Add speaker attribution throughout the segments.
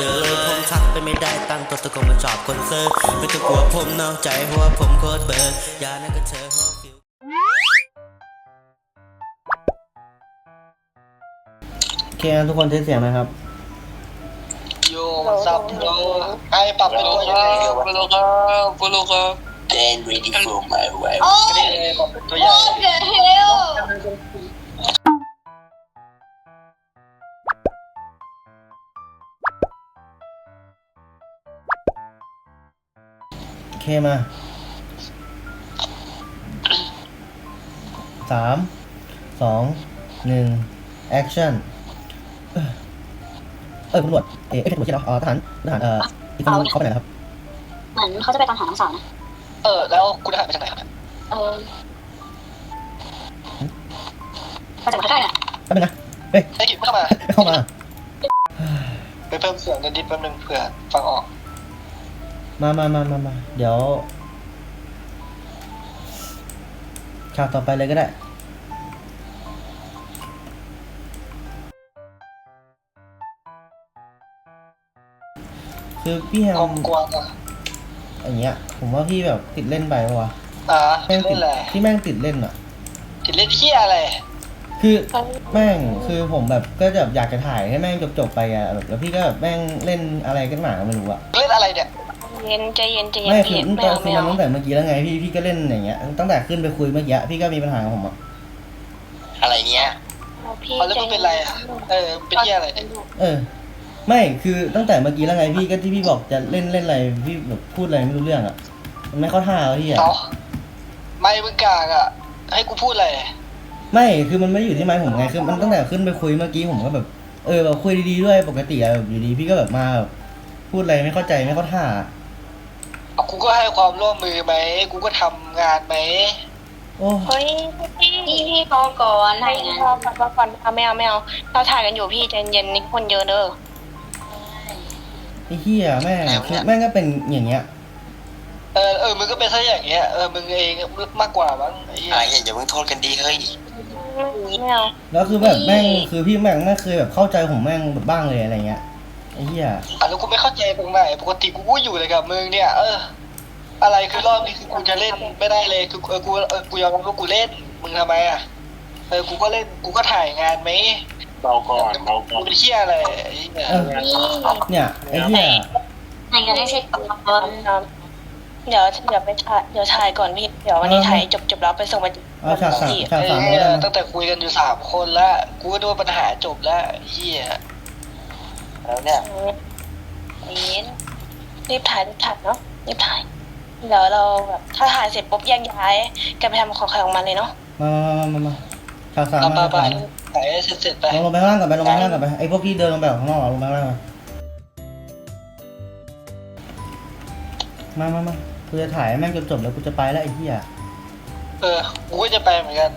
Speaker 1: จอเลยผมทักไปไม่ได้ตั้งตัวตะโกนมาจอบคนเซอร์ไม่ต้องกลัวผมนอกใจเพราะว่าผมโคตรเบอร์อย่านั่นก็เธอฮอฟิวโอเคนะทุกคนเทสเสียงนะครับ
Speaker 2: โยซับโลไอปรับเป็นตัวยังไงโปโลครับโปโลครับ
Speaker 3: Then ready for my wife
Speaker 2: อันนี้ปรับเป็นตัวใหญ่
Speaker 4: What the hell
Speaker 1: โอเคมา3 2 1 action ตำรวจไม่ใช่ตำรวจใช่เหรอทหารอีกคนนึงเขาไปไหนครับ
Speaker 4: เหมือนเขาจะไปตามหาน้องสาวนะ
Speaker 2: แล้วคุณทหารไปจากไหนครับ
Speaker 4: มาจากใกล้ๆน่ะ
Speaker 1: แป๊บนึงนะเฮ้ย
Speaker 2: ไอ้กิจเข้ามา
Speaker 1: เข้ามา
Speaker 2: ไปเพิ่มเสียงกันนิดแป๊บนึงเผื่อฟังออก
Speaker 1: มาเดี๋ยวฉากต่อไปเลยก็ได้คือพี่แฮ
Speaker 2: กล
Speaker 1: ม
Speaker 2: มกวางอ่ะ
Speaker 1: อย่างเงี้ยผมว่าพี่แบบติดเล่นไปปะวะ
Speaker 2: เล่นอะไร
Speaker 1: ที่แม่งติดเล่นอ่ะ
Speaker 2: ติดเล่นที่อะไร
Speaker 1: คือแม่งคือผมแบบก็แบบอยากจะถ่ายให้แม่งจบไปอ่ะแบบแล้วพี่ก็แบบแม่งเล่นอะไรกันหนาก็ไม่รู้อ่ะ
Speaker 2: เล่นอะไรเนี่ย
Speaker 4: ใจเย็น
Speaker 1: ไม่คือ
Speaker 4: พี่
Speaker 1: ตอนคือมันตั้งแต่เมื่อกี้แล้วไงพี่ก็เล่นอย่างเงี้ยตั้งแต่ขึ้นไปคุยเมื่อกี้พี่ก็มีปัญหากับผมอ่ะ
Speaker 3: อะไรเนี้ย
Speaker 4: พี่
Speaker 2: แล้วมันเป็นไรอ่ะเป็นที่อะไรเนี่ย
Speaker 1: ไม่คือตั้งแต่เมื่อกี้แล้วไงพี่ก็ที่พี่บอกจะเล่นอะไรพี่แบบพูดอะไรไม่รู้เรื่องอ่ะมันไม่เข้าท่าวะพี่อ่ะ
Speaker 2: ไม่มึงกากอ่ะให้กูพูดอะไร
Speaker 1: ไม่คือมันไม่ได้อยู่ที่ไม้ผมไงคือมันตั้งแต่ขึ้นไปคุยเมื่อกี้ผมก็แบบแบบคุยดีๆด้วยปกติอะแบบอยู่ดีพี่ก็แบบมาแบบพูดอะไรไม่เข้าใจไม่เข้าท่า
Speaker 2: กูก็ให้ความร่วมมือไหมกูก็ทำงานไหม
Speaker 1: โอ้
Speaker 4: เฮ้ยพี่พอก่อนอะไรเงี้ยพอก่อนไม่เอาเราถ่ายกันอยู่พี่ใจเย็นนี่คนเยอะเด้อ
Speaker 1: ไอ้เหี้ยแม่งคือแม่งก็เป็นอย่างเงี้ย
Speaker 2: มึงก็เป็นซะอย่างเงี้ยมึงเองมากกว่ามั้งไอ้เหี้ย
Speaker 3: อย่าเพิ่งโทษกันดีเฮ้ย
Speaker 4: ไม่เอา
Speaker 1: แล้วคือแบบแม่งคือพี่แม่งไม่เคยแบบเข้าใจผมแม่งแบบบ้างเลยอะไรเงี้ยไอ้เหี้ย
Speaker 2: แล้วกูไม่เข้าใจตรงไหนปกติกูก็อยู่เลยกับมึงเนี่ยอะไรคือรอบนี้คือกูจะเล่นไม่ได้เลยคือกูยอมรับว่ากูเล่นมึงทำไมอ่ะกูก็เล่นกูก็ถ่ายงานไหม
Speaker 3: เบาก่อนเบาก่อ
Speaker 2: กู
Speaker 3: น
Speaker 2: เป็นเหี้ยอะไรไอ้เนี่ย
Speaker 1: เนี่ยไอ้เหี้ย
Speaker 4: ไหนกันได้เช็คก่อน
Speaker 5: เดี๋ยวไปถ่ายเดี๋ยวถ่ายก่อนพี่เดี๋ยววันนี้ถ่ายจบแล้วไปส่งมา
Speaker 1: เอาฉากสาม
Speaker 2: ไอ้
Speaker 1: ก็
Speaker 2: เหี้ย
Speaker 1: ได้นะ
Speaker 2: ตั้งแต่คุยกันอยู่3 คนแล้วกูก็ดูปัญหาจบแล้วเหี้ย
Speaker 3: แล้วเนี่ย
Speaker 5: รีบถ่ายเนาะรีบถ่ายเดี๋ยวเราแบบถ้าถ่ายเสร็จปุ๊บแยกย้ายกันไปทำของใครของมันเลยเนาะ
Speaker 1: มาฉากสาม
Speaker 2: ไป
Speaker 1: มา
Speaker 2: ไป
Speaker 1: ถ่าย
Speaker 2: ถ่ายให้เสร็จไป
Speaker 1: ลงไปข้างล่างก่อนไปลงไปข้างล่างก่อนไปไอ้พวกที่เดินลงไปข้างนอกลงไปข้างล่างมากูจะถ่ายแม่งจบแล้วกูจะไปแล้วไอ้เหี้ย
Speaker 2: กูก็จะไปเหมือนกัน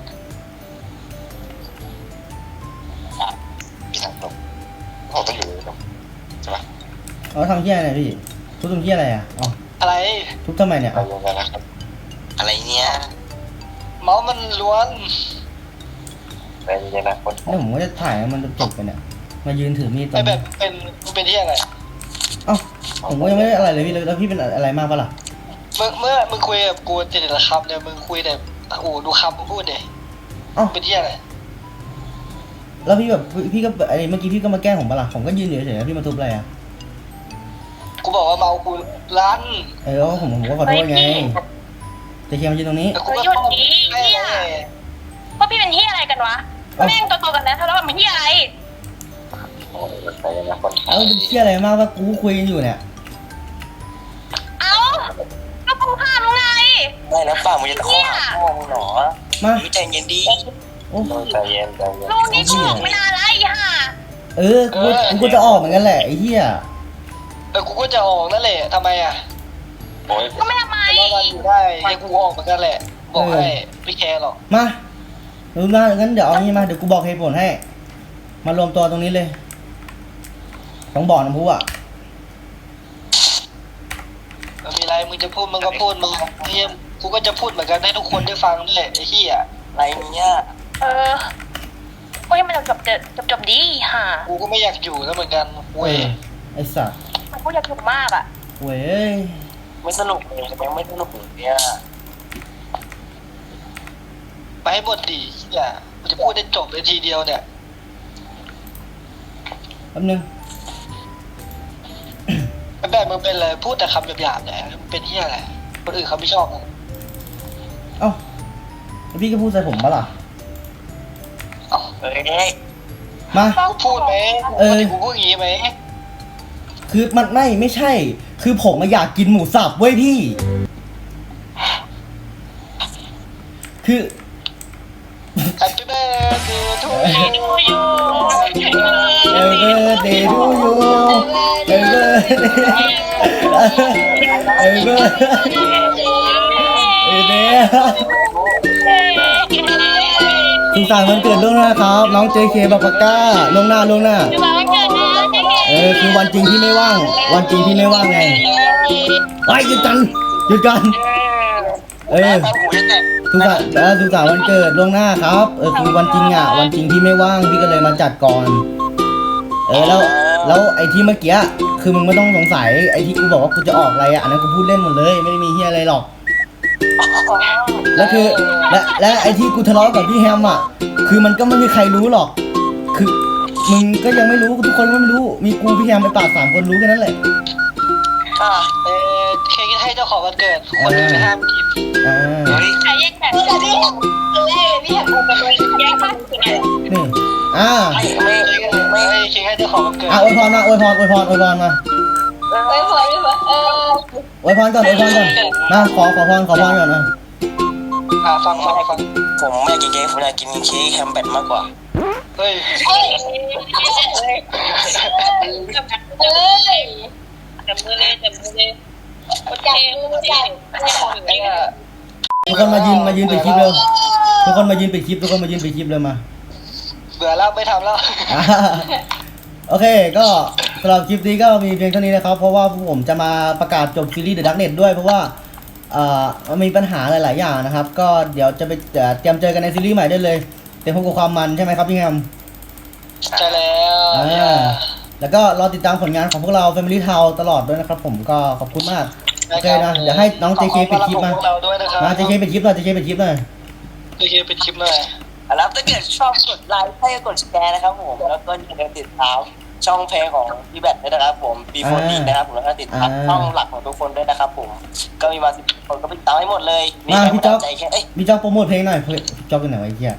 Speaker 3: พี่สั่งตรงเขาต้องอยู่ตรงใช่ปะ
Speaker 1: เอาทำเหี้ยอะไรพี่ทุบทำเหี้ยอะไรอ่ะอ๋อ
Speaker 2: อะไร
Speaker 1: ทุบทำไมเนี่ย
Speaker 3: เราลงกันนะครับอะไรเนี้ย
Speaker 2: เมาส์มันล้วน
Speaker 3: อะไรเนี้ยนะคน
Speaker 1: เนี่ยผมก็จะถ่ายให้มันจบไปเนี่ยมายืนถือมีดตรง
Speaker 2: ไอ้แบ
Speaker 1: นี้
Speaker 2: บเป็นที่อะไร
Speaker 1: เอ้าผมก็ยังไม่ได้อะไรเลยพี่แล้วพี่เป็นอะไรมากปะล่ะ
Speaker 2: เมื่อมึงคุยกับกูแต่ละคำเนี่ยมึงคุยแต่ดูคำมึงพูดเด
Speaker 1: เอ้า
Speaker 2: เป็นที่อะไร
Speaker 1: แล้วพี่แบบพี่ก็ไอ้เมื่อกี้พี่ก็มาแกล้งผมปะล่ะผมก็ยืนอยู่เฉยๆแล้วพี่มาทุบอะไรอ่ะ
Speaker 2: กูบอกว่าเมากูลั่น
Speaker 1: ผมก็ขอโทษไงจะเคลียร์มายืนตรงนี้
Speaker 2: กูก็
Speaker 5: หยุดดี
Speaker 2: ไม่
Speaker 5: เฮียพวกพี่เป็นที่อะไรกันวะแม่งตัวกันแล้วทะเลาะกันเป็นที่อะไร
Speaker 3: โอ้ยอะไรเนี้ยคน
Speaker 1: เอ้าเป็นเชี่ยอะไรมากว่ากูคุยกันอยู่เนี่ย
Speaker 5: เอ้าก็กูห้ามแล้วไง
Speaker 3: ได้แล้วป่ามึงจะตะข้อหาพ่อมึงหรอ
Speaker 1: มา
Speaker 3: ใจเย็นดี
Speaker 1: โอ้
Speaker 3: ใจเย็นใจเย็น
Speaker 5: ลูกนี่กูออกไม่นานแล้วไอ้ห่า
Speaker 1: กูจะออกเหมือนกันแหละไอ้เหี้ย
Speaker 2: กูก็จะออกนั่นแหละทำไมอ่ะ
Speaker 3: โอ้ย
Speaker 5: ก็ไม่ทำไม
Speaker 2: เพราะว่าอยู่ได้ยังกูออกเหมือนกันแหละ บอกให้ไม่แคร์หรอก
Speaker 1: มางั้นเดี๋ยวเอางี้มาเดี๋ยวกูบอกเหตุผลให้ มารวมตัวตรงนี้เลยต้องบอกน้ำพุอ่ะ
Speaker 2: มีอะไรมึงจะพูดมึงก็พูดมึงเฮียกูก็จะพูดเหมือนกันให้ทุกคนได้ฟังนี่แหละไอ้เหี้ย
Speaker 3: อะไรเนี้ย
Speaker 5: โอ้ยมันจบดีห่า
Speaker 2: กูก็ไม่อยากอยู่แล้วเหมือนกันเว้ย
Speaker 1: ไอ้สัตว์
Speaker 5: มันพูดอยากถูกมากอ่ะ
Speaker 1: เว้ย
Speaker 3: ไม่สนุกเลยยังไม่สนุกเลยเนี่ย
Speaker 2: ไปให้หมดดิเนี่ยกูจะพูดได้จบเลยทีเดียวเนี่ย
Speaker 1: แป๊บนึง
Speaker 2: แบบมึงเป็นอะไรพูดแต่คำหยาบๆเนี่ยมึงเป็นที่อะไรคนอื่นเขาไม่ชอบมึง
Speaker 1: เอ้าแล้วพี่ก็พูดใส่ผมปะล่ะ
Speaker 3: เฮ้ย
Speaker 1: มา
Speaker 2: กูพูดไหม
Speaker 1: เออ
Speaker 2: ปกติกูพูดอย่างงี้ไหม
Speaker 1: คือมันไม่ใช่ คือผมมาอยากกินหมูสับเว้ยพี่ คือ
Speaker 2: Happy birthday to you
Speaker 1: เออเบอร์เดย์ทูยูเออเบอร์เดย์เออเบอร์เออเดย์สุขสันต์วันเกิดล่วงหน้าครับ น้องเจเคบาปาก้าล่วงหน้า คือวันจริงที่ไม่ว่าง วันจริงที่ไม่ว่างไงไอ้หยุดกันเออ
Speaker 3: ตาหูจะแตก
Speaker 1: สุขสันต์วันเกิดล่วงหน้าครับคือวันจริงอ่ะวันจริงที่ไม่ว่างพี่ก็เลยมาจัดก่อนแล้วไอ้ที่เมื่อกี้คือมึงไม่ต้องสงสัยไอ้ที่กูบอกว่ากูจะออกอะไรอ่ะอันนั้นกูพูดเล่นหมดเลยไม่ได้มีเฮียอะไรหรอกแล้วคือและไอ้ที่กูทะเลาะกับพี่แฮมอ่ะคือมันก็ไม่มีใครรู้หรอก คือมึงก็ยังไม่รู้ทุกคนก็ไม่รู้มีกูพี่แฮมไปปาก3 คนรู้แค่นั้นแหละ
Speaker 2: เค้กให้เจ้าของวันเกิดคนอื่นไม่ห้ามกิน
Speaker 3: เฮ้ย
Speaker 5: ใครแยกแบบนี่แบบแยกข้างกัน
Speaker 1: นี่
Speaker 3: ไม่
Speaker 2: เค้กให้เจ้าของวันเกิด
Speaker 1: อวยพรมาอวยพรมา
Speaker 5: ไม่พอ
Speaker 1: อวยพรก่อนมาขอพรก่อนนะ
Speaker 2: ฟัง
Speaker 3: ผมไม่อยากกินเค้กผมอยากกินเค้กแฮมเบอร์มากกว่า
Speaker 2: เฮ้ย
Speaker 5: จับมือเลยโอเค
Speaker 1: ทุกคนมายืนปิดคลิปเร็วทุกคนมายืนปิดคลิปเลยมา
Speaker 2: เบื่อแล้วไม่ทำแล้ว
Speaker 1: โอเคก็สำหรับคลิปนี้ก็มีเพียงเท่านี้นะครับเพราะว่าผมจะมาประกาศจบซีรีส์ The Darknet ด้วยเพราะว่ามันมีปัญหาหลายๆอย่างนะครับก็เดี๋ยวจะไปเตรียมเจอกันในซีรีส์ใหม่ได้เลยเตรียมพบกับความมันใช่ไหมครับพี่แฮม
Speaker 2: ใช่แล้ว
Speaker 1: แล้วก็รอติดตามผลงานของพวกเรา Family Town ตลอดด้วยนะครับผมก็ขอบคุณมากโอเคนะเดี๋ยวให้น้อง JK ปิดคลิปมา
Speaker 2: เราด้วยนะครับ
Speaker 1: มา JK ปิดคลิปหน่อย JK ปิดคลิปหน่อย
Speaker 2: JK ปิดคลิปเลย
Speaker 3: แล้วถ้าเกิดชอบกดไลค์ให้กดแชร์นะครับผมแล้วก็อย่าลืมติดตามช่องเพลงของพี่แบทด้วยนะครับผม B4D นะครับผมแล้วก็ติดตามช่องหลักของทุกคนด้วยนะครับผมก็มีมา10 คนก็ไปติดตามให้หมดเลย
Speaker 1: มาพี่จ๊อก
Speaker 3: ใจแค่เอ้ย
Speaker 1: พี่จ๊อกโปรโมทเพลงหน่อยพี่จ๊อกเป็นไหนวะไอ้เหี้ย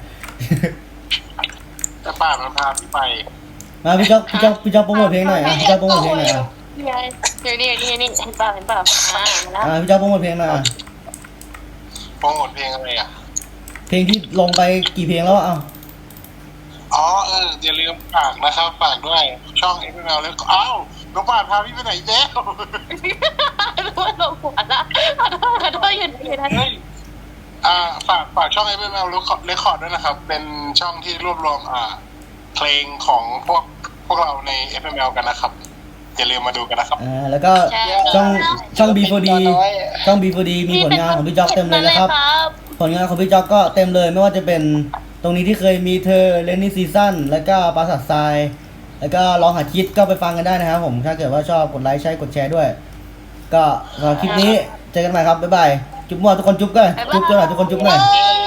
Speaker 3: แต่ป่ามันพาพี่ไป
Speaker 1: มาพี่จ๊อกโปรโมทเพลงหน่อยพี่จ๊อกโปรโมทเพลงหน่อย
Speaker 5: นี่เห็นป่ะแล้ว
Speaker 1: พี่จ๊อกโปรโมทเพลงหน่อย
Speaker 3: โปรโมทเพลงอะไรอ่ะ
Speaker 1: เพลงที่ลงไปกี่เพลงแล้วอ่ะ
Speaker 3: อ๋ออย่าลืมฝากนะครับฝากด้วยช่องเอ็กซ์แมวแล้วก็อ้าวน้องป่านพาพี่ไปไหนแจ๊ค
Speaker 5: รู้ว่าลงหัวละขอโทษอยู่นะ
Speaker 3: เฮ้ยฝากช่องเอ็กซ์แมวเรคคอร์ดด้วยนะครับ เป็นช่องที่รวบรวมเพลงของพวกเราใน FML กันนะครับ อย่าลืมมาดูกันนะครับ
Speaker 1: แล้วก็ช่อง B4D ช่อง B4D มีผลงานของพี่จ๊อกเต็มเลยนะครับผลงานของพี่จ๊อกก็เต็มเลยไม่ว่าจะเป็นตรงนี้ที่เคยมีเธอเลนนี่ซีซั่นแล้วก็ปราสาททรายแล้วก็ลองหาคิดก็ไปฟังกันได้นะครับผมถ้าเกิดว่าชอบกดไลค์ใช้กดแชร์ด้วย ก็สำหรับคลิปนี้เจอกันใหม่ครับบ๊ายบายจุ๊บมั่วทุกคนจุ๊บกันจุ๊บหน่อยทุกคนจุ๊บหน่อย
Speaker 5: เ